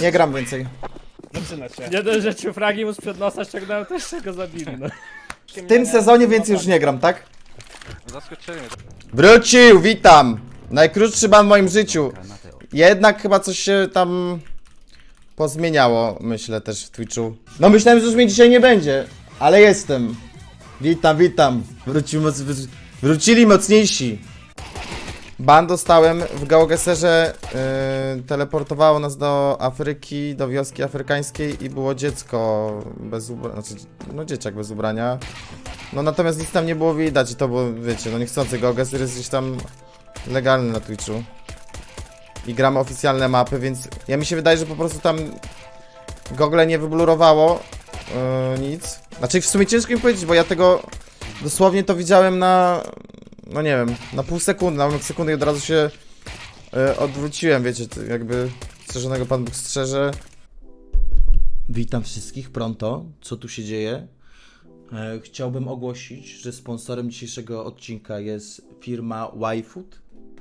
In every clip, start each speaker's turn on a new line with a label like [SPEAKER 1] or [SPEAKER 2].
[SPEAKER 1] Nie gram więcej.
[SPEAKER 2] Zaczyna się.
[SPEAKER 3] Nie dość, że ci fragi mu sprzed nosa ściągnąłem, to jeszcze go zabili, no.
[SPEAKER 1] W tym sezonie więcej już nie gram, tak?
[SPEAKER 4] Zaskoczyli mnie.
[SPEAKER 1] Wrócił, witam! Najkrótszy ban w moim życiu. Jednak chyba coś się tam pozmieniało, myślę też w Twitchu. No myślałem, że już mnie dzisiaj nie będzie, ale jestem. Witam, witam. Wrócili mocniejsi. Ban dostałem w Gałgeserze, teleportowało nas do Afryki, do wioski afrykańskiej i było dziecko bez ubrania, znaczy, no dzieciak bez ubrania. No natomiast nic tam nie było widać i to było, wiecie, no niechcący, Gałgeser jest gdzieś tam legalny na Twitchu. I gramy oficjalne mapy, więc ja mi się wydaje, że po prostu tam Google nie wyblurowało nic. Znaczy w sumie ciężko mi powiedzieć, bo ja tego dosłownie to widziałem na, no nie wiem, na pół sekundy, na ułamek sekundy i od razu się odwróciłem, wiecie, to jakby strzeżonego Pan Bóg strzeże. Witam wszystkich pronto, co tu się dzieje? Chciałbym ogłosić, że sponsorem dzisiejszego odcinka jest firma YFood.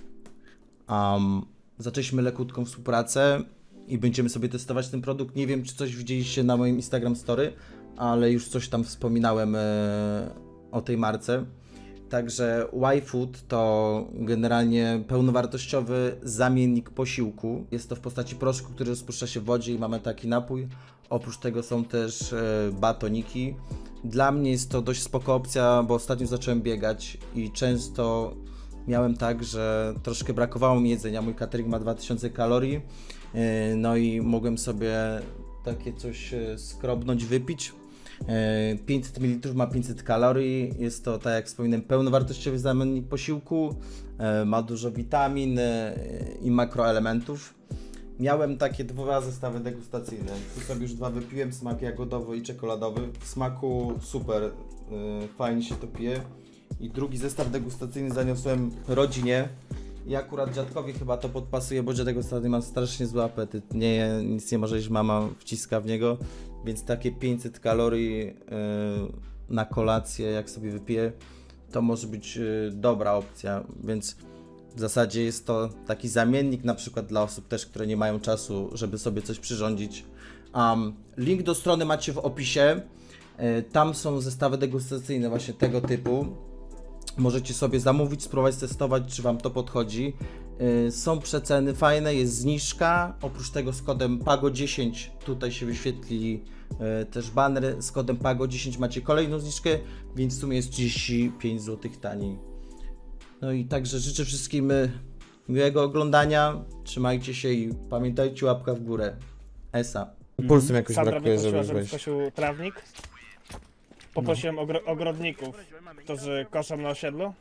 [SPEAKER 1] Zaczęliśmy lekutką współpracę i będziemy sobie testować ten produkt. Nie wiem, czy coś widzieliście na moim Instagram Story, ale już coś tam wspominałem o tej marce. Także YFood to generalnie pełnowartościowy zamiennik posiłku. Jest to w postaci proszku, który rozpuszcza się w wodzie i mamy taki napój. Oprócz tego są też batoniki. Dla mnie jest to dość spoko opcja, bo ostatnio zacząłem biegać i często miałem tak, że troszkę brakowało mi jedzenia. Mój catering ma 2000 kalorii, no i mogłem sobie takie coś skrobnąć, wypić. 500 ml ma 500 kalorii, jest to, tak jak wspominałem, pełnowartościowy zamiennik posiłku, ma dużo witamin i makroelementów. Miałem takie dwa zestawy degustacyjne, tu sobie już dwa wypiłem, smak jagodowy i czekoladowy. W smaku super, fajnie się to pije. I drugi zestaw degustacyjny zaniosłem rodzinie. I akurat dziadkowi chyba to podpasuje, bo dziadek ostatnio ma strasznie zły apetyt. Nic nie może jeść, mama wciska w niego. Więc takie 500 kalorii na kolację, jak sobie wypiję, to może być dobra opcja. Więc w zasadzie jest to taki zamiennik na przykład dla osób też, które nie mają czasu, żeby sobie coś przyrządzić. Link do strony macie w opisie. Tam są zestawy degustacyjne właśnie tego typu. Możecie sobie zamówić, spróbować testować, czy Wam to podchodzi. Są przeceny fajne, jest zniżka. Oprócz tego z kodem PAGO10 tutaj się wyświetli też baner. Z kodem PAGO10 macie kolejną zniżkę, więc w sumie jest 35 zł taniej. No i także życzę wszystkim miłego oglądania. Trzymajcie się i pamiętajcie, łapka w górę. Esa. Pulsem jakoś
[SPEAKER 2] Sandra
[SPEAKER 1] brakuje,
[SPEAKER 2] mnie prosiła,
[SPEAKER 1] żeby
[SPEAKER 2] żebym
[SPEAKER 1] wejść.
[SPEAKER 2] skosił trawnik. Poprosiłem ogrodników, którzy koszą na osiedlu.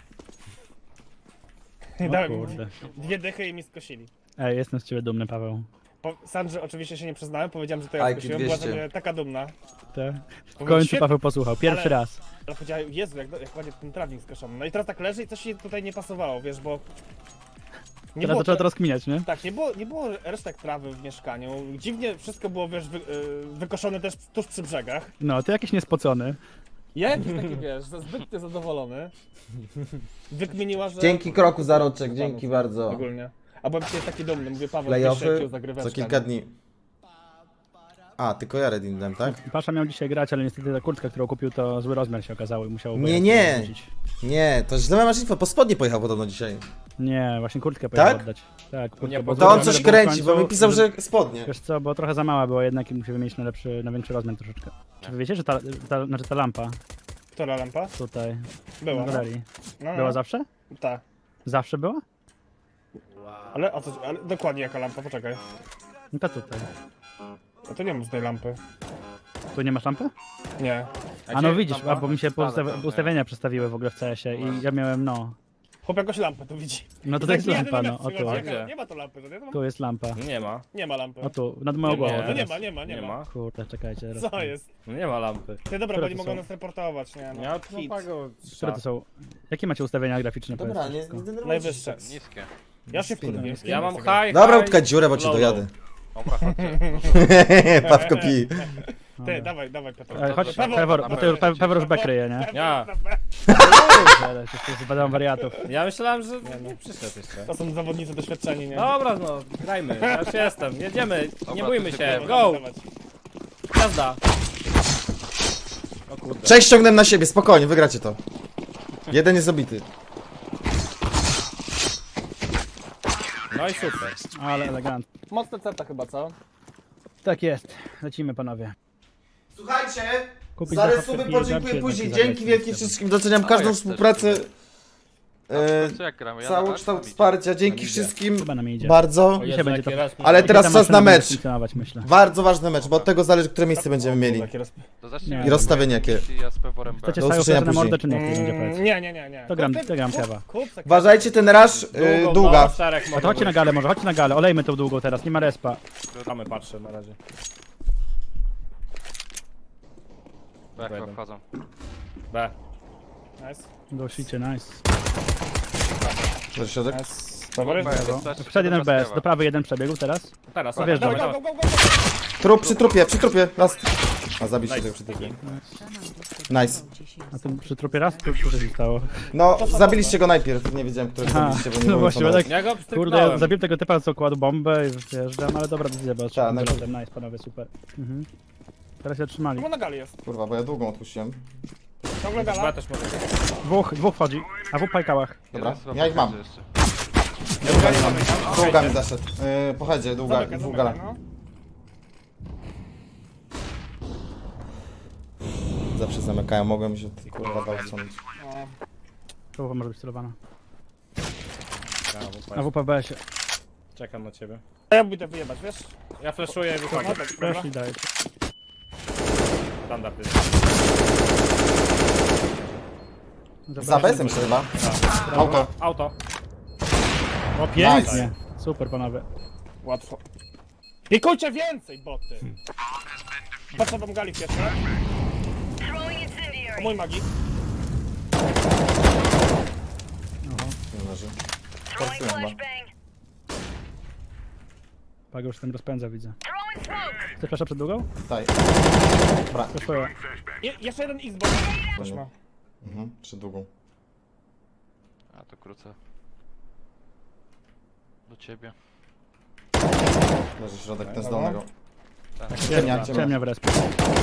[SPEAKER 2] I dałem
[SPEAKER 3] kurde.
[SPEAKER 2] 2 dychy i mi skosili.
[SPEAKER 3] Ej, jestem z ciebie dumny, Paweł.
[SPEAKER 2] Sandrze oczywiście się nie przyznałem, powiedziałem, że to ja
[SPEAKER 1] Ajki
[SPEAKER 2] skosiłem, była ze
[SPEAKER 1] 200.
[SPEAKER 2] mnie taka dumna.
[SPEAKER 3] Te? W
[SPEAKER 2] Powiedział,
[SPEAKER 3] końcu
[SPEAKER 2] świetnie,
[SPEAKER 3] Paweł posłuchał, pierwszy
[SPEAKER 2] ale-
[SPEAKER 3] raz.
[SPEAKER 2] Ale powiedziała, Jezu, jak ładnie ten trawnik skoszony. No i teraz tak leży i coś się tutaj nie pasowało, wiesz, bo...
[SPEAKER 3] Teraz zaczęła to rozkminiać, nie?
[SPEAKER 2] Tak, nie było resztek trawy w mieszkaniu. Dziwnie wszystko było, wiesz, wykoszone też tuż przy brzegach.
[SPEAKER 3] No, ty jakiś niespocony.
[SPEAKER 2] Ja jakiś taki, wiesz, zbyt zadowolony. Wykminiła, że...
[SPEAKER 1] Dzięki kroku za roczek, dzięki bardzo.
[SPEAKER 2] Ogólnie. A byłem dzisiaj taki dumny, mówię, Paweł,
[SPEAKER 1] Playoffy
[SPEAKER 2] zagryweczka.
[SPEAKER 1] za kilka dni. A, tylko ja Redin dałem, tak?
[SPEAKER 3] Pasza miał dzisiaj grać, ale niestety ta kurtka, którą kupił, to zły rozmiar się okazało i musiał...
[SPEAKER 1] Nie.
[SPEAKER 3] wrócić.
[SPEAKER 1] Nie, to źle masz info, po spodnie pojechał podobno dzisiaj.
[SPEAKER 3] Nie, właśnie kurtkę pojechał
[SPEAKER 1] Tak?
[SPEAKER 3] oddać. Tak, kurtkę,
[SPEAKER 4] Nie,
[SPEAKER 3] bo
[SPEAKER 1] To on
[SPEAKER 3] zły
[SPEAKER 1] coś
[SPEAKER 3] rozmiar był w
[SPEAKER 1] kręci, bo
[SPEAKER 3] końcu,
[SPEAKER 1] mi pisał, że spodnie.
[SPEAKER 3] Wiesz co, bo trochę za mała była jednak i musi wymienić na większy rozmiar troszeczkę. Czy wy wiecie, że ta lampa
[SPEAKER 2] Która lampa?
[SPEAKER 3] tutaj
[SPEAKER 2] Była.
[SPEAKER 3] w galerii
[SPEAKER 2] No,
[SPEAKER 3] była zawsze?
[SPEAKER 2] Tak.
[SPEAKER 3] Zawsze była?
[SPEAKER 2] Ale dokładnie jaka lampa, poczekaj.
[SPEAKER 3] No to tutaj.
[SPEAKER 2] No to nie mam z tej lampy.
[SPEAKER 3] Tu nie masz lampy?
[SPEAKER 2] Nie.
[SPEAKER 3] A no widzisz, bo mi się ustawienia przestawiły w ogóle w CS-ie i ja miałem, no.
[SPEAKER 2] Chłop jakoś lampę tu widzi.
[SPEAKER 3] No to jest
[SPEAKER 2] Taki
[SPEAKER 3] lampa,
[SPEAKER 2] jeden
[SPEAKER 3] no, o
[SPEAKER 2] metr
[SPEAKER 3] tu.
[SPEAKER 2] przychodzi,
[SPEAKER 4] Gdzie?
[SPEAKER 2] Nie ma tu lampy, to nie ma.
[SPEAKER 3] Tu jest lampa.
[SPEAKER 4] Nie ma.
[SPEAKER 2] Nie ma lampy.
[SPEAKER 3] O tu, nad moją głową
[SPEAKER 2] No nie
[SPEAKER 3] teraz.
[SPEAKER 2] ma, nie ma.
[SPEAKER 3] Kurde, czekajcie teraz.
[SPEAKER 2] Co jest?
[SPEAKER 4] Nie ma lampy.
[SPEAKER 2] Ty dobra,
[SPEAKER 3] Które
[SPEAKER 2] bo nie
[SPEAKER 3] to
[SPEAKER 2] mogą
[SPEAKER 3] są?
[SPEAKER 2] nas reportować, nie no.
[SPEAKER 4] Ja tu
[SPEAKER 2] Hit.
[SPEAKER 4] pago.
[SPEAKER 3] Które to są? Jakie macie ustawienia graficzne?
[SPEAKER 1] Dobra,
[SPEAKER 3] powiedzcie
[SPEAKER 1] nie,
[SPEAKER 3] wszystko?
[SPEAKER 1] nie denerwujcie
[SPEAKER 2] Najwyższe.
[SPEAKER 4] Niskie.
[SPEAKER 2] Ja się wkurwię.
[SPEAKER 4] Ja mam high.
[SPEAKER 1] Dobra, utkać dziurę, bo cię
[SPEAKER 4] Low,
[SPEAKER 1] dojadę.
[SPEAKER 4] Dobra, chodźcie.
[SPEAKER 1] Pawko pi.
[SPEAKER 2] Ty, dawaj, Piotr.
[SPEAKER 3] Chodź,
[SPEAKER 2] Paweł,
[SPEAKER 3] Pewor, bo ty Pewor już B kryje, nie?
[SPEAKER 4] Ja.
[SPEAKER 3] Ale to zbadam wariatów.
[SPEAKER 5] Ja myślałem, że nie przyszedł jeszcze.
[SPEAKER 2] To są zawodnicy doświadczeni, nie?
[SPEAKER 5] Dobra, no, grajmy, ja już jestem, jedziemy, nie bójmy
[SPEAKER 4] to
[SPEAKER 5] się,
[SPEAKER 4] się
[SPEAKER 5] go, jazda. O kurde.
[SPEAKER 1] 6 ściągnę na siebie, spokojnie, wygracie to. Jeden jest zabity.
[SPEAKER 5] No i super.
[SPEAKER 3] Ale elegant.
[SPEAKER 2] Mocne ceta chyba, co?
[SPEAKER 3] Tak jest. Lecimy panowie.
[SPEAKER 1] Słuchajcie,
[SPEAKER 3] Kupić
[SPEAKER 1] za
[SPEAKER 3] zachowkę
[SPEAKER 1] resumy
[SPEAKER 3] i
[SPEAKER 1] podziękuję
[SPEAKER 3] żarcie
[SPEAKER 1] później.
[SPEAKER 3] zagrać
[SPEAKER 1] Dzięki
[SPEAKER 3] z
[SPEAKER 1] wielkie
[SPEAKER 3] tym.
[SPEAKER 1] wszystkim, doceniam
[SPEAKER 4] O,
[SPEAKER 1] każdą
[SPEAKER 4] jak
[SPEAKER 1] współpracę.
[SPEAKER 4] też Co jak gramy? Ja na
[SPEAKER 1] Cały
[SPEAKER 4] tak?
[SPEAKER 1] kształt
[SPEAKER 4] Tam idzie.
[SPEAKER 1] wsparcia, dzięki
[SPEAKER 5] idzie.
[SPEAKER 1] wszystkim
[SPEAKER 3] Chyba nam idzie.
[SPEAKER 1] bardzo.
[SPEAKER 5] O Jezu,
[SPEAKER 3] Dzisiaj będzie
[SPEAKER 5] jaki
[SPEAKER 3] to-
[SPEAKER 5] raz-
[SPEAKER 1] Ale teraz
[SPEAKER 3] Tam
[SPEAKER 1] czas na
[SPEAKER 3] maszyna będzie
[SPEAKER 1] mecz.
[SPEAKER 3] funkcjonować, myślę.
[SPEAKER 1] Bardzo ważny mecz, bo od tego zależy, które miejsce będziemy mieli.
[SPEAKER 4] To zacznij
[SPEAKER 3] Nie.
[SPEAKER 4] od
[SPEAKER 1] I rozstawienie jakie.
[SPEAKER 4] Ja z peworem B.
[SPEAKER 3] Chcecie
[SPEAKER 1] Do
[SPEAKER 3] stają
[SPEAKER 1] usłyszenia
[SPEAKER 3] na
[SPEAKER 1] później.
[SPEAKER 3] mordę, czy nie? Będzie powiedz.
[SPEAKER 2] Nie.
[SPEAKER 3] To gram
[SPEAKER 2] Kup,
[SPEAKER 3] kewa.
[SPEAKER 2] kup se-
[SPEAKER 1] Uważajcie, ten rush długa.
[SPEAKER 5] Czterech
[SPEAKER 3] A to chodźcie na galę może, chodźcie na galę, olejmy tą długą teraz, nie ma respa.
[SPEAKER 5] Mamy, patrzę na razie.
[SPEAKER 4] B chyba wchodzą.
[SPEAKER 5] B.
[SPEAKER 2] Nice.
[SPEAKER 3] Dosicie, nice.
[SPEAKER 1] Do środek.
[SPEAKER 2] Nice. Dobry.
[SPEAKER 4] B, wystarczy,
[SPEAKER 3] Przed jeden
[SPEAKER 4] żeby
[SPEAKER 3] bez,
[SPEAKER 4] rozkrywa.
[SPEAKER 3] do prawej jeden przebiegł teraz.
[SPEAKER 5] Teraz,
[SPEAKER 3] O, wiesz,
[SPEAKER 2] Go,
[SPEAKER 3] dawaj.
[SPEAKER 2] go, go, go, go.
[SPEAKER 1] Trup przy trupie, last. A zabiście tego przy trupie. Nice.
[SPEAKER 3] A tu przy trupie raz, tu się stało.
[SPEAKER 1] No, zabiliście go najpierw, nie wiedziałem, którego
[SPEAKER 3] Aha,
[SPEAKER 1] zabiliście, bo nie
[SPEAKER 3] no
[SPEAKER 1] byłem
[SPEAKER 3] właśnie,
[SPEAKER 1] informowany.
[SPEAKER 3] tak.
[SPEAKER 5] Ja go
[SPEAKER 3] Kurde,
[SPEAKER 5] pstryknąłem.
[SPEAKER 3] ja zabiłem tego typa, co kładł bombę i wyjeżdżam, ale dobra decyzja, bo
[SPEAKER 1] Tak, no.
[SPEAKER 3] nice panowie, super. Mhm. Teraz się trzymali.
[SPEAKER 2] Czemu na gali jest?
[SPEAKER 1] Kurwa, bo ja długą odpuściłem.
[SPEAKER 2] Ciągle
[SPEAKER 5] B
[SPEAKER 2] gala.
[SPEAKER 5] też może.
[SPEAKER 3] Dwóch wchodzi, a w pajkałach.
[SPEAKER 1] Dobra,
[SPEAKER 4] Jeden chyba
[SPEAKER 1] ja ich mam.
[SPEAKER 4] podchodzi jeszcze.
[SPEAKER 1] Długa mi zaszedł. Pochodzie, długa gala.
[SPEAKER 2] no.
[SPEAKER 1] Zawsze zamykają, mogłem się kurwa dał wsunąć.
[SPEAKER 2] No.
[SPEAKER 3] Połowa może być celowana.
[SPEAKER 5] Ja,
[SPEAKER 3] A WP B się.
[SPEAKER 5] czekam na ciebie.
[SPEAKER 2] A ja pójdę wyjebać, wiesz?
[SPEAKER 5] Ja flashuję i wychodzę.
[SPEAKER 2] No tak, dobra.
[SPEAKER 3] Weszli, daje.
[SPEAKER 5] Standard jest.
[SPEAKER 1] Za besem się chyba. Auto.
[SPEAKER 5] Auto.
[SPEAKER 3] O, pięknie.
[SPEAKER 1] Nice.
[SPEAKER 3] Super panowie.
[SPEAKER 2] Łatwo. Pikujcie więcej, boty! Patrzę wam gali pierwsze. O mój magik.
[SPEAKER 1] Nie leży. Forsuję chyba.
[SPEAKER 3] Pago już ten rozpędza, widzę. Chcesz flasza przed długą?
[SPEAKER 1] Daj. Dobra.
[SPEAKER 3] Flashuję.
[SPEAKER 2] Jeszcze jeden Xbox. Też ma.
[SPEAKER 1] Mhm, przy długą.
[SPEAKER 4] A to krócę. Do ciebie.
[SPEAKER 1] Leży środek, ten z dolnego.
[SPEAKER 4] Tak.
[SPEAKER 1] Ciemnia.
[SPEAKER 3] Ciemnia w respie.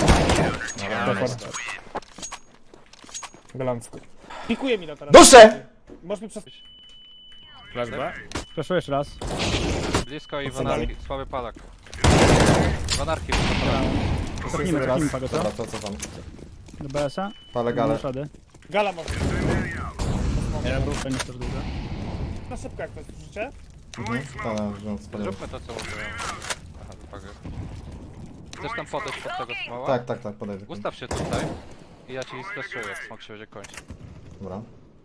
[SPEAKER 2] Galancko. Pikuje mi to teraz.
[SPEAKER 1] Duszę!
[SPEAKER 2] Możesz mi przez...
[SPEAKER 5] Flash B.
[SPEAKER 3] Flashuję jeszcze raz.
[SPEAKER 4] Blisko i
[SPEAKER 2] Co dalej?
[SPEAKER 4] wanarki, słaby palak. Wanarki,
[SPEAKER 3] Cofnijmy Pago, co?
[SPEAKER 1] Dobra, to co tam?
[SPEAKER 3] Do BS-a.
[SPEAKER 1] Palę galę.
[SPEAKER 3] Szady.
[SPEAKER 2] Gala może.
[SPEAKER 3] Jeden był, fajnie też długo.
[SPEAKER 2] Na szybko jak to jest, słyszycie?
[SPEAKER 1] To wziąłem spaliłem.
[SPEAKER 4] Zróbmy to co mówiłem. Aha, wypagę. Chcesz tam podejść pod tego smoła?
[SPEAKER 1] Tak, podejdę.
[SPEAKER 4] Ustaw się tutaj. I ja ci splashuję, jak smok się będzie kończyć.
[SPEAKER 1] Dobra.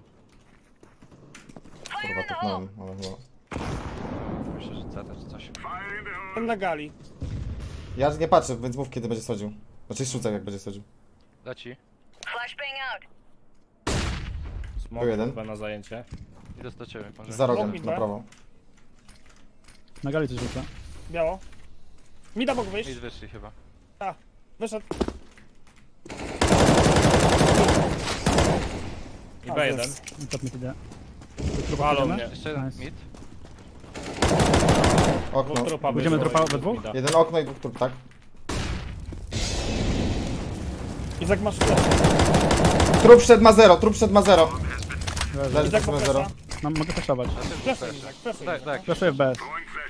[SPEAKER 1] Kurwa, tupnąłem, ale chyba...
[SPEAKER 4] Myślę, że CT czy coś.
[SPEAKER 2] Ten na gali.
[SPEAKER 1] Ja nie patrzę, więc mów kiedy będzie schodził. Znaczy rzucaj jak będzie schodził.
[SPEAKER 4] Leci.
[SPEAKER 5] Smok
[SPEAKER 1] Był jeden.
[SPEAKER 5] B na zajęcie.
[SPEAKER 4] Idę do ciebie, może.
[SPEAKER 1] Za rogiem,
[SPEAKER 2] Mid,
[SPEAKER 1] na prawo.
[SPEAKER 3] Na gali coś rzuca.
[SPEAKER 2] Biało. Mida mógł wyjść.
[SPEAKER 4] Mid wyszli chyba.
[SPEAKER 2] A, wyszedł.
[SPEAKER 5] I B1.
[SPEAKER 3] Top mid idę.
[SPEAKER 5] Walą mnie.
[SPEAKER 4] Jeszcze jeden
[SPEAKER 3] Nice.
[SPEAKER 4] mid.
[SPEAKER 1] Okno.
[SPEAKER 5] Dwóch trupa
[SPEAKER 3] Będziemy
[SPEAKER 5] wyszło
[SPEAKER 3] trupa
[SPEAKER 5] i
[SPEAKER 3] we dwóch?
[SPEAKER 5] mida.
[SPEAKER 1] Jeden okno i dwóch trup, tak?
[SPEAKER 2] Izak masz flash.
[SPEAKER 1] Trup wszedł ma 0, trup wszedł ma 0. Leży
[SPEAKER 2] Izak
[SPEAKER 1] trup
[SPEAKER 2] ma
[SPEAKER 1] ma 0.
[SPEAKER 2] flasha.
[SPEAKER 3] Mam, mogę flashować.
[SPEAKER 2] Flashuj Izak, flashuj
[SPEAKER 4] Tak,
[SPEAKER 2] Izak.
[SPEAKER 4] tak.
[SPEAKER 3] Flashuję w BS.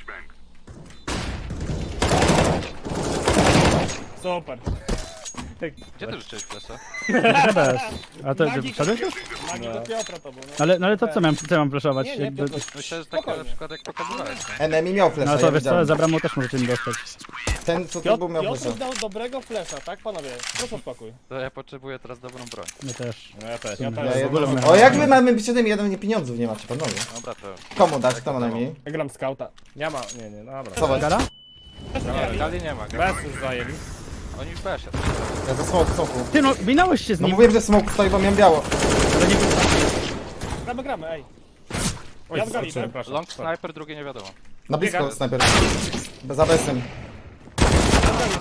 [SPEAKER 2] Super.
[SPEAKER 4] Gdzie ty rzuciłeś flesza?
[SPEAKER 3] Na BS. A to
[SPEAKER 2] Magik.
[SPEAKER 3] wszedłeś już?
[SPEAKER 2] Magii do Piotra to był, no.
[SPEAKER 3] Ale to co mam flashować?
[SPEAKER 2] Nie,
[SPEAKER 3] Jakby-
[SPEAKER 2] Piotr.
[SPEAKER 4] Myślę, że takie na
[SPEAKER 2] Spokojnie.
[SPEAKER 4] przykład jak pokazywałeś. nie?
[SPEAKER 1] Enemy miał
[SPEAKER 3] No
[SPEAKER 1] flasha,
[SPEAKER 3] ale to
[SPEAKER 1] ja
[SPEAKER 3] wiesz co,
[SPEAKER 1] widziałem.
[SPEAKER 3] za bramą też możecie mi dostać.
[SPEAKER 1] Ten co tu był miał
[SPEAKER 2] Piotr
[SPEAKER 1] flasha.
[SPEAKER 2] dał dobrego flasha, tak panowie? Proszę spokój.
[SPEAKER 4] To ja potrzebuję teraz dobrą broń.
[SPEAKER 3] My też.
[SPEAKER 5] No ja też.
[SPEAKER 2] Ja
[SPEAKER 1] Ja
[SPEAKER 2] też.
[SPEAKER 3] w ogóle
[SPEAKER 1] jedno...
[SPEAKER 3] miałem-
[SPEAKER 1] O jak wy mamy być jeden, jeden nie pieniądzów nie macie panowie.
[SPEAKER 4] Dobra, to...
[SPEAKER 1] Komu dać, kto ma najmniej?
[SPEAKER 2] Ja gram scouta.
[SPEAKER 5] Nie ma, nie, dobra.
[SPEAKER 1] Co was?
[SPEAKER 3] Gala?
[SPEAKER 4] Gali nie ma.
[SPEAKER 5] Bez już zajęli.
[SPEAKER 4] Oni w besie.
[SPEAKER 1] Ja za smoku.
[SPEAKER 3] Ty no, minąłeś się z
[SPEAKER 1] No
[SPEAKER 3] nim.
[SPEAKER 1] mówiłem, że smoke stoi, bo miałem biało.
[SPEAKER 3] Ale nie
[SPEAKER 2] Gramy, ej.
[SPEAKER 5] Oj,
[SPEAKER 2] Ja w gali, tak?
[SPEAKER 5] przepraszam.
[SPEAKER 4] Long sniper, drugie nie wiadomo.
[SPEAKER 1] Na blisko
[SPEAKER 5] Biega.
[SPEAKER 1] snajper. Za besem.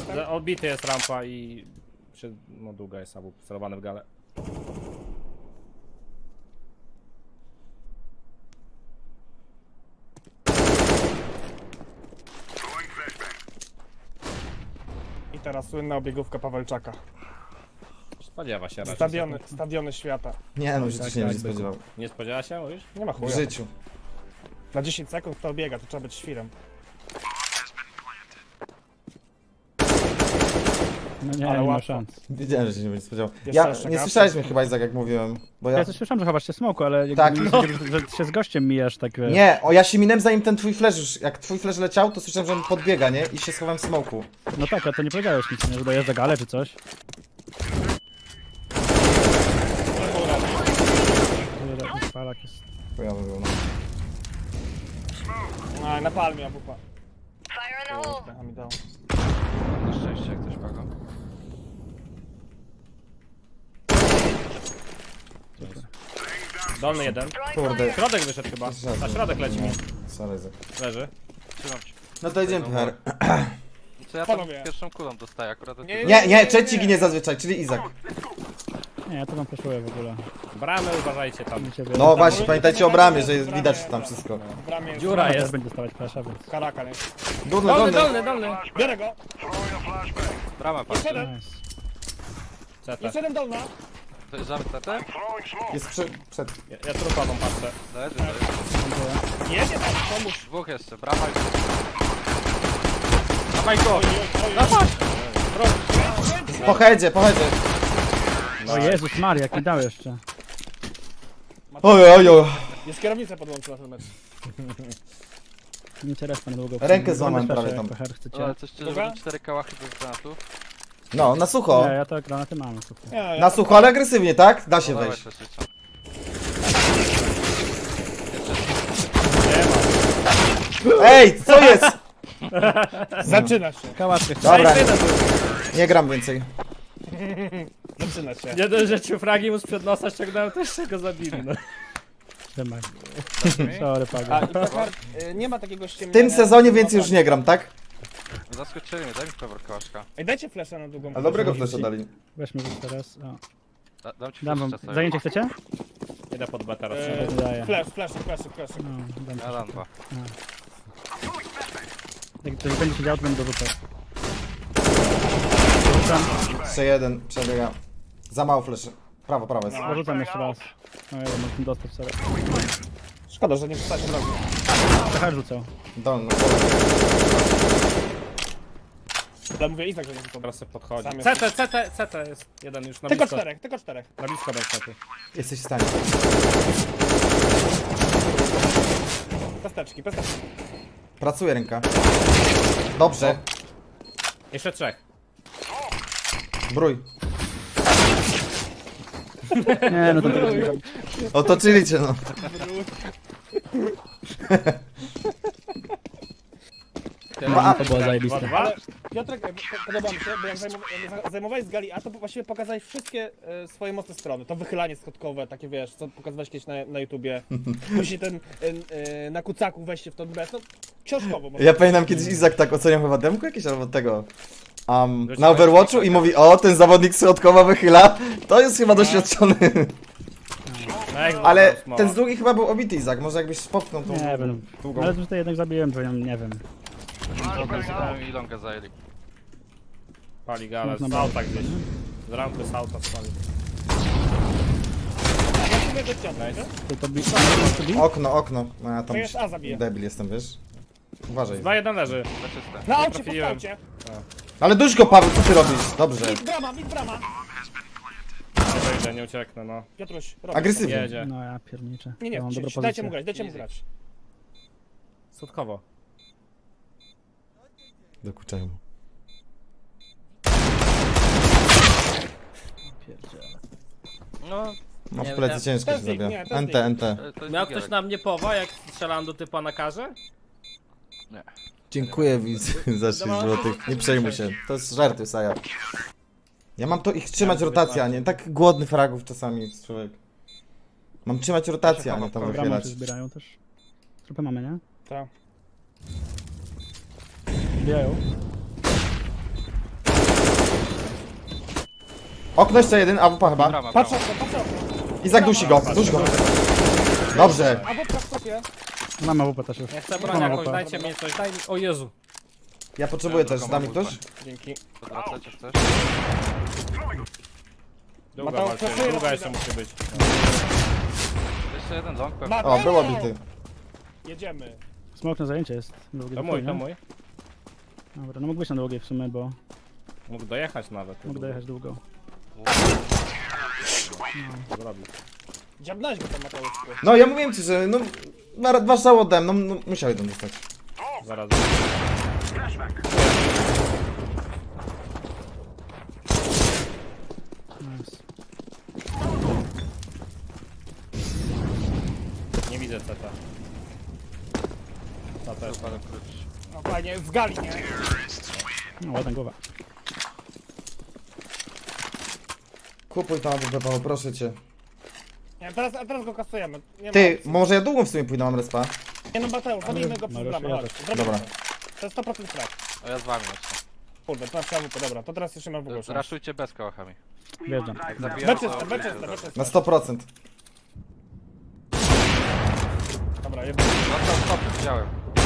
[SPEAKER 5] Odbity jest rampa i... No długa jest abu celowany w galę.
[SPEAKER 2] teraz słynna obiegówka Pawelczaka.
[SPEAKER 5] Spodziewa się raczej.
[SPEAKER 2] Stadiony świata.
[SPEAKER 1] Nie no, w życiu
[SPEAKER 3] Tak,
[SPEAKER 1] się nie
[SPEAKER 3] tak,
[SPEAKER 1] będzie spodziewał.
[SPEAKER 5] Nie spodziewa się, mówisz?
[SPEAKER 2] Nie ma
[SPEAKER 1] W
[SPEAKER 2] chuja.
[SPEAKER 1] życiu.
[SPEAKER 2] Na 10 sekund kto biega, to trzeba być świrem.
[SPEAKER 3] No nie,
[SPEAKER 2] Ale
[SPEAKER 3] nie ma
[SPEAKER 2] łatwo.
[SPEAKER 3] szans.
[SPEAKER 1] Wiedziałem, że się nie będzie spodziewał.
[SPEAKER 2] Jeszcze
[SPEAKER 1] Ja,
[SPEAKER 2] jeszcze
[SPEAKER 1] nie
[SPEAKER 2] gaz.
[SPEAKER 1] słyszałeś mnie chyba, Izak, jak mówiłem. Bo
[SPEAKER 3] Ja
[SPEAKER 1] ja...
[SPEAKER 3] coś słyszałem, że chowasz smoku, ale jakby
[SPEAKER 1] Tak,
[SPEAKER 3] nie
[SPEAKER 1] no.
[SPEAKER 3] wiedziałem, że się z gościem mijasz tak.
[SPEAKER 1] Nie, ja się minąłem zanim ten twój flash już, jak twój flash leciał, to słyszałem, że on podbiega, nie? I się schowałem w smoku.
[SPEAKER 3] No tak, a to nie powiedziałeś nic, nie? Że dojeżdża galę czy coś. Palak jest.
[SPEAKER 1] Chujowy był, no.
[SPEAKER 2] A, na palmie AWP.
[SPEAKER 6] Fire in the hole.
[SPEAKER 2] Trochę mi dało.
[SPEAKER 4] Na szczęście jak ktoś pago.
[SPEAKER 5] Dolny jeden.
[SPEAKER 1] Kurde.
[SPEAKER 5] Środek wyszedł chyba. Na środek leci mi.
[SPEAKER 1] Sorry, Izak.
[SPEAKER 5] Leży.
[SPEAKER 4] Trzymam cię.
[SPEAKER 1] No to idziemy, Puchar.
[SPEAKER 4] Co ja tam
[SPEAKER 2] Panowie.
[SPEAKER 4] pierwszą kulą dostaję akurat od
[SPEAKER 2] Nie,
[SPEAKER 4] tego.
[SPEAKER 1] Nie, trzeci ginie zazwyczaj, czyli Izak.
[SPEAKER 3] Nie, ja to wam flashuję w ogóle.
[SPEAKER 5] Bramy uważajcie tam.
[SPEAKER 3] Do ciebie.
[SPEAKER 1] No właśnie, pamiętajcie o bramie, że jest widać tam wszystko.
[SPEAKER 2] W bramie jest
[SPEAKER 5] Dziura
[SPEAKER 3] Też
[SPEAKER 5] jest.
[SPEAKER 3] będzie dostawać flasha, więc.
[SPEAKER 2] Karaka, nie?
[SPEAKER 1] Dolny,
[SPEAKER 5] Dolny,
[SPEAKER 1] dolny.
[SPEAKER 5] dolny, dolny.
[SPEAKER 2] Biorę go!
[SPEAKER 4] Bramę patrzę.
[SPEAKER 2] Jeszcze jeden!
[SPEAKER 3] Nice.
[SPEAKER 5] CT.
[SPEAKER 2] Jeszcze jeden dolna!
[SPEAKER 4] To jest żart TT?
[SPEAKER 1] Jest przed.
[SPEAKER 5] Ja trupową patrzę.
[SPEAKER 4] Leży, leży.
[SPEAKER 2] Jedzie tam, pomóż!
[SPEAKER 4] Dwóch jeszcze, brama i...
[SPEAKER 5] Dawaj go!
[SPEAKER 1] Po headzie, po headzie.
[SPEAKER 3] O Jezus Maria, jak mi dał jeszcze.
[SPEAKER 1] Oj.
[SPEAKER 2] Jest kierownica podłączona ten mecz.
[SPEAKER 3] Nie cię respa na długo.
[SPEAKER 1] Rękę złamałem
[SPEAKER 3] Mamy
[SPEAKER 1] prawie
[SPEAKER 3] flasha,
[SPEAKER 1] tam.
[SPEAKER 3] jak Puchar chcecie.
[SPEAKER 4] Ale coś szczerze,
[SPEAKER 2] Dobra.
[SPEAKER 4] że 4 kałachy bez granatów.
[SPEAKER 1] No, na sucho.
[SPEAKER 3] Nie, ja to granaty mam, słuchaj.
[SPEAKER 2] Nie,
[SPEAKER 1] Na sucho, ale agresywnie, tak? Da się
[SPEAKER 4] No, dawaj,
[SPEAKER 1] wejść.
[SPEAKER 4] też jeszcze.
[SPEAKER 1] Ej, co jest?
[SPEAKER 2] Zaczyna się,
[SPEAKER 3] Kałaczkę.
[SPEAKER 1] Dobra, nie gram więcej.
[SPEAKER 2] zaczyna się.
[SPEAKER 5] Nie dość, że ci fragi mu sprzed nosa ściągnąłem, to jeszcze go zabili. No.
[SPEAKER 3] Trzymaj. Sorry,
[SPEAKER 2] A
[SPEAKER 3] Pago.
[SPEAKER 2] i Puchar, nie ma takiego
[SPEAKER 1] W
[SPEAKER 2] ściemnienia.
[SPEAKER 1] tym sezonie więcej już nie gram, tak?
[SPEAKER 4] Zaskoczyli mnie, daj mi pewor kałaszka.
[SPEAKER 2] Ej, dajcie flasha na długą.
[SPEAKER 1] A dobrego flesza dali.
[SPEAKER 3] Weźmy już teraz. O.
[SPEAKER 4] Dam ci
[SPEAKER 3] Dam wam.
[SPEAKER 4] flash czasem.
[SPEAKER 3] Zajęcie chcecie?
[SPEAKER 5] Idę pod B teraz.
[SPEAKER 2] Eee,
[SPEAKER 3] Daję.
[SPEAKER 2] Flash.
[SPEAKER 3] No, dam
[SPEAKER 4] Ja dam dwa.
[SPEAKER 3] Jak ktoś będzie siedział, to będę dorzucał.
[SPEAKER 1] 3-1, przebiega. Za mało fleszy. Prawo jest.
[SPEAKER 3] Dorzucam jeszcze raz. No jeden, mógł dostać sobie.
[SPEAKER 2] Szkoda, że nie wstać od razu.
[SPEAKER 3] Trochę rzucał.
[SPEAKER 1] Dolny.
[SPEAKER 2] Ale mówię Izak, że nie wstać.
[SPEAKER 5] Teraz sobie podchodzi.
[SPEAKER 2] Sam jest.
[SPEAKER 5] CT jest jeden już na
[SPEAKER 2] Tylko
[SPEAKER 5] blisko.
[SPEAKER 2] czterech.
[SPEAKER 5] Na blisko bez CT.
[SPEAKER 1] Jesteś w stanie.
[SPEAKER 2] Pesteczki.
[SPEAKER 1] Pracuje ręka. Dobrze.
[SPEAKER 5] Jeszcze trzech.
[SPEAKER 1] Brój.
[SPEAKER 3] Nie, no to tego nie robić.
[SPEAKER 1] Otoczyli cię, no.
[SPEAKER 3] To było zajebiste.
[SPEAKER 5] 2-2.
[SPEAKER 2] Ale Piotrek, podoba mi się, bo jak zajmowałeś z gali A, to właściwie pokazałeś wszystkie swoje mocne strony. To wychylanie schodkowe, takie wiesz, co pokazywałeś kiedyś na YouTubie. Później ten na kucaku wejście w to bez, no książkowo może.
[SPEAKER 1] Ja pamiętam kiedyś Izak tak oceniał chyba demku jakieś albo tego. Na Overwatchu i mówi, o, ten zawodnik środkowa wychyla, to jest chyba doświadczony. Ale ten z długi chyba był obity Izak, może jakbyś popchnął tą
[SPEAKER 3] Nie wiem.
[SPEAKER 1] długą.
[SPEAKER 3] Ale tutaj jednak zabiłem, bo nie wiem.
[SPEAKER 4] I longa zajęli.
[SPEAKER 5] Pali gala,
[SPEAKER 3] Można
[SPEAKER 5] z auta gdzieś. Z rampy z auta spali.
[SPEAKER 2] Właściwie do Piotrek, nie?
[SPEAKER 3] To bi.
[SPEAKER 1] Okno. No ja tam
[SPEAKER 2] To jest A zabije.
[SPEAKER 1] debil jestem, wiesz? Uważaj.
[SPEAKER 5] 2-1 leży.
[SPEAKER 4] Za czyste.
[SPEAKER 2] Na aucie, po
[SPEAKER 5] trafiłem.
[SPEAKER 2] skaucie.
[SPEAKER 1] Ale duś go, Paweł, co ty robisz? Dobrze.
[SPEAKER 2] Mid brama.
[SPEAKER 5] Nie wejdę, nie ucieknę, no.
[SPEAKER 2] Piotruś, robisz.
[SPEAKER 1] Agresywnie.
[SPEAKER 5] Jedzie.
[SPEAKER 3] No ja pierniczę.
[SPEAKER 2] Nie,
[SPEAKER 3] Ja mam dobrą
[SPEAKER 2] dajcie
[SPEAKER 3] pozycję.
[SPEAKER 2] mu grać.
[SPEAKER 5] Słodkowo.
[SPEAKER 1] Dokuczają mu.
[SPEAKER 4] No,
[SPEAKER 1] No w
[SPEAKER 4] Nie,
[SPEAKER 1] plecy
[SPEAKER 4] nie.
[SPEAKER 1] ciężko
[SPEAKER 2] To
[SPEAKER 1] się
[SPEAKER 2] jest dig,
[SPEAKER 1] zabija.
[SPEAKER 2] nie, to jest
[SPEAKER 1] NT.
[SPEAKER 4] to jest
[SPEAKER 5] Miał
[SPEAKER 4] Digielek.
[SPEAKER 5] ktoś na mnie powa, jak strzelałem do typa na karze?
[SPEAKER 1] Dziękuję widz za 6 złotych. Nie przejmuj się. To jest żarty, Saja. Ja mam to ich trzymać rotację, a nie tak głodny fragów czasami jest człowiek. Mam trzymać rotację, a nie tam
[SPEAKER 3] Bramy
[SPEAKER 1] wychylać.
[SPEAKER 3] się zbierają też. Trupy mamy, nie?
[SPEAKER 2] Tak.
[SPEAKER 3] Zbierają.
[SPEAKER 1] Okno jeszcze jeden, AWP chyba.
[SPEAKER 4] Brama,
[SPEAKER 2] Patrz
[SPEAKER 4] brama.
[SPEAKER 2] okno.
[SPEAKER 1] Izak dusi go, duś go. Dobrze.
[SPEAKER 2] A wodka w stopie.
[SPEAKER 3] Mamy WP też już.
[SPEAKER 5] Ja chcę
[SPEAKER 3] Mam
[SPEAKER 5] broń jakąś,
[SPEAKER 3] AWP.
[SPEAKER 5] dajcie mi coś, daj mi... O Jezu.
[SPEAKER 1] Ja potrzebuję też,
[SPEAKER 4] drugą
[SPEAKER 1] da mi
[SPEAKER 4] mam
[SPEAKER 1] ktoś?
[SPEAKER 2] Dzięki.
[SPEAKER 4] Odwracać jak chcesz.
[SPEAKER 5] Długa
[SPEAKER 2] Mateusz,
[SPEAKER 5] walczymy,
[SPEAKER 2] proszę,
[SPEAKER 5] długa
[SPEAKER 2] ja
[SPEAKER 5] jeszcze
[SPEAKER 2] pójdę.
[SPEAKER 5] musi być.
[SPEAKER 4] Jeszcze jeden ząg pewnie.
[SPEAKER 2] Mateusz!
[SPEAKER 1] O, było bity.
[SPEAKER 2] Jedziemy.
[SPEAKER 3] Smok na zajęcie jest. Długie
[SPEAKER 5] To
[SPEAKER 3] do
[SPEAKER 5] mój,
[SPEAKER 3] chuj,
[SPEAKER 5] to
[SPEAKER 3] nie?
[SPEAKER 5] mój.
[SPEAKER 3] Dobra, no mógł być na długie w sumie, bo
[SPEAKER 5] Mógł dojechać nawet.
[SPEAKER 3] mógł dojechać długo.
[SPEAKER 5] Zrobił.
[SPEAKER 2] Dziabnałeś go tam, Mateuszku.
[SPEAKER 1] No ja mówiłem ci, że no... Dwa strzały oddałem, no musiał jeden dostać.
[SPEAKER 5] Zaraz.
[SPEAKER 3] Nice.
[SPEAKER 5] Nie widzę CT. Ta też.
[SPEAKER 4] Super, klucz.
[SPEAKER 2] No fajnie, z gali, nie?
[SPEAKER 3] No, ładna głowa.
[SPEAKER 1] Kupuj tam AWP, Paweł, proszę cię.
[SPEAKER 2] Nie, teraz go kasujemy. Nie ma
[SPEAKER 1] Ty,
[SPEAKER 2] opcji.
[SPEAKER 1] może ja długą w sumie pójdę, mam respa.
[SPEAKER 2] Nie no, Mateusz, zabijmy go przez
[SPEAKER 3] Mariusz,
[SPEAKER 2] bramę,
[SPEAKER 3] ja
[SPEAKER 2] chodź.
[SPEAKER 3] też.
[SPEAKER 2] Zrobimy
[SPEAKER 1] Dobra.
[SPEAKER 2] to. To jest 100% strat.
[SPEAKER 4] A ja z wami lecę.
[SPEAKER 2] Kurde, to na AWP, dobra, to teraz jeszcze mam w ogóle szans.
[SPEAKER 4] Raszujcie bez kołachami.
[SPEAKER 3] Wjeżdżam.
[SPEAKER 4] Zabijam,
[SPEAKER 2] Beczyste, beczyste,
[SPEAKER 1] Na
[SPEAKER 2] beczyste.
[SPEAKER 1] 100%.
[SPEAKER 2] Dobra, jeden.
[SPEAKER 4] Dostał stop, widziałem.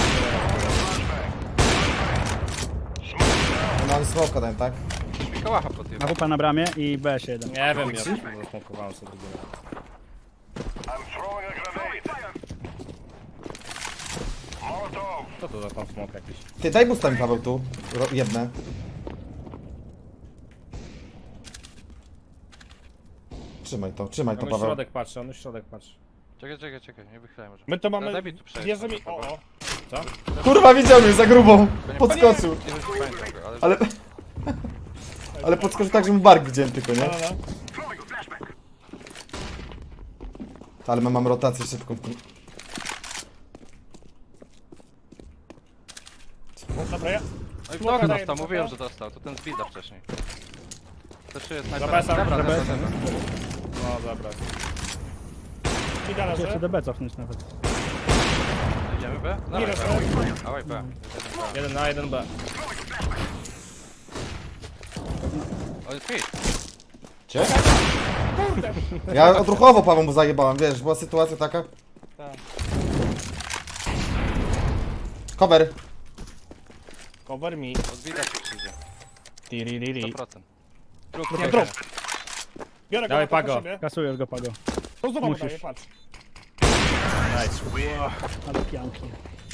[SPEAKER 1] Mam smoka dałem, tak?
[SPEAKER 4] Mi kołacha pod tym.
[SPEAKER 3] AWP na bramie i BS1.
[SPEAKER 5] Nie wiem, ja zasmokowałem sobie drugi raz. Co to za tam smok jakiś?
[SPEAKER 1] Ty, daj busta mi, Paweł, tu. Jedne. Trzymaj to
[SPEAKER 5] On już
[SPEAKER 1] Paweł.
[SPEAKER 5] środek patrzy, on już środek patrzy.
[SPEAKER 4] Czekaj, nie wychylaj może.
[SPEAKER 2] My to mamy...
[SPEAKER 4] Daj mi tu przejść.
[SPEAKER 2] Bierzemy... O, o.
[SPEAKER 1] Kurwa, widział mnie za grubą. Podskoczył.
[SPEAKER 4] Nie wiem, czy pamiętam go, ale...
[SPEAKER 1] Ale... Ale podskoczył tak, że mu bark widziałem tylko,
[SPEAKER 2] No,
[SPEAKER 1] nie?
[SPEAKER 2] no, no.
[SPEAKER 1] Ale mam rotację szybką.
[SPEAKER 2] Dobra, ja...
[SPEAKER 4] No i w
[SPEAKER 2] Smoka
[SPEAKER 4] nogi
[SPEAKER 2] daję
[SPEAKER 4] dostał,
[SPEAKER 2] do
[SPEAKER 4] mówiłem,
[SPEAKER 2] smoka.
[SPEAKER 4] że dostał. To ten z bida wcześniej. Też jest
[SPEAKER 5] Za
[SPEAKER 4] snajper.
[SPEAKER 5] BS-em,
[SPEAKER 4] Dobra,
[SPEAKER 5] za
[SPEAKER 4] dobra,
[SPEAKER 5] BS-em.
[SPEAKER 4] dobra.
[SPEAKER 5] No dobra.
[SPEAKER 2] I dalej,
[SPEAKER 3] Jeszcze
[SPEAKER 2] że...
[SPEAKER 3] DB cofnąć nawet.
[SPEAKER 4] Idziemy B?
[SPEAKER 2] Nie
[SPEAKER 4] Dawaj
[SPEAKER 2] wiem,
[SPEAKER 4] B. Dawaj B. Jeden B.
[SPEAKER 5] 1 na 1B.
[SPEAKER 4] O, jest mit.
[SPEAKER 1] Cie? Ja odruchowo Paweł mu zajebałem, wiesz, była sytuacja taka.
[SPEAKER 2] Tak.
[SPEAKER 1] Cover.
[SPEAKER 2] Cover me.
[SPEAKER 4] Od bida się przyjdzie.
[SPEAKER 2] Tiriri.
[SPEAKER 4] 100%.
[SPEAKER 2] Nie, drop. Biorę go
[SPEAKER 5] Dawaj,
[SPEAKER 2] na to
[SPEAKER 5] Pago.
[SPEAKER 2] po siebie.
[SPEAKER 3] Kasujesz go, Pago.
[SPEAKER 2] To znowu
[SPEAKER 3] Musisz.
[SPEAKER 2] daję, patrz.
[SPEAKER 5] Nice.
[SPEAKER 3] Ale pianki.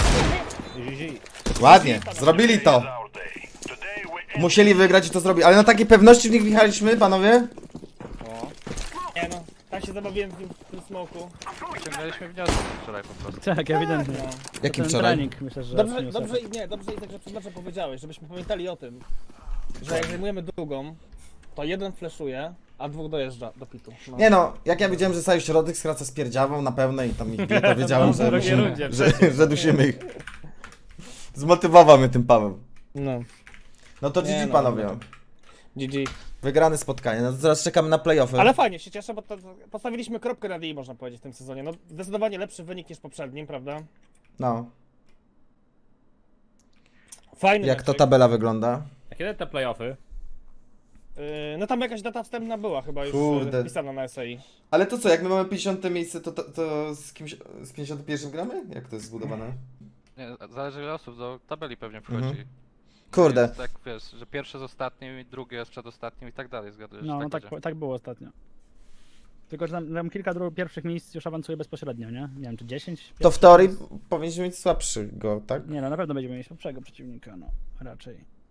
[SPEAKER 1] Ładnie, zrobili to. Musieli wygrać i to zrobili, ale na takiej pewności w nich wjechaliśmy, panowie?
[SPEAKER 2] Nie no, tak się zabawiłem z nim w tym smoku.
[SPEAKER 4] Ciągnęliśmy wnioski wczoraj po prostu.
[SPEAKER 3] Tak, ewidentnie.
[SPEAKER 2] No.
[SPEAKER 1] Jakim
[SPEAKER 3] Ten
[SPEAKER 1] wczoraj?
[SPEAKER 3] trening, myślę, że
[SPEAKER 2] Dobrze,
[SPEAKER 3] przyniósł
[SPEAKER 2] dobrze,
[SPEAKER 3] efekt.
[SPEAKER 2] nie, dobrze i tak, że przed meczem powiedziałeś, żebyśmy pamiętali o tym, że jak zajmujemy długą, to jeden flashuje, a dwóch dojeżdża do pitu. No.
[SPEAKER 1] Nie no, jak ja wiedziałem, że cały środek skraca z pierdziawą na pełne i tam ich bije, to wiedziałem,
[SPEAKER 5] No,
[SPEAKER 1] że,
[SPEAKER 5] w drugiej
[SPEAKER 1] musimy,
[SPEAKER 5] rundzie
[SPEAKER 1] że dusimy ich. Zmotywował mnie tym Paweł.
[SPEAKER 2] No.
[SPEAKER 1] No to
[SPEAKER 2] Nie
[SPEAKER 1] GG
[SPEAKER 2] no,
[SPEAKER 1] panowie.
[SPEAKER 2] no. GG.
[SPEAKER 1] Wygrane spotkanie, no to teraz czekamy na playoffy.
[SPEAKER 2] Ale fajnie, się cieszę, bo to postawiliśmy kropkę na D, można powiedzieć, w tym sezonie. No, zdecydowanie lepszy wynik niż poprzednim, prawda?
[SPEAKER 1] No,
[SPEAKER 2] Fajny
[SPEAKER 1] jak to
[SPEAKER 2] meczek.
[SPEAKER 1] tabela wygląda?
[SPEAKER 5] A kiedy te playoffy?
[SPEAKER 2] No tam jakaś data wstępna była chyba już
[SPEAKER 1] Kurde.
[SPEAKER 2] wpisana na SAI.
[SPEAKER 1] Ale to co, jak my mamy 50 miejsce, to z kimś, z 51 gramy? Jak to jest zbudowane?
[SPEAKER 4] Nie, zależy ile osób do tabeli pewnie wchodzi.
[SPEAKER 1] Mhm. Kurde.
[SPEAKER 4] Jest tak wiesz, że pierwsze z ostatnim, i drugie jest przed ostatnim i tak dalej, zgadujesz?
[SPEAKER 3] No, no
[SPEAKER 4] tak
[SPEAKER 3] tak,
[SPEAKER 4] będzie.
[SPEAKER 3] tak było ostatnio. Tylko, że tam kilka pierwszych miejsc już awansuje bezpośrednio, nie? Nie wiem, czy 10?
[SPEAKER 1] To w teorii powinniśmy mieć słabszego, tak?
[SPEAKER 3] Nie no, na pewno będziemy mieć lepszego przeciwnika, no. Raczej.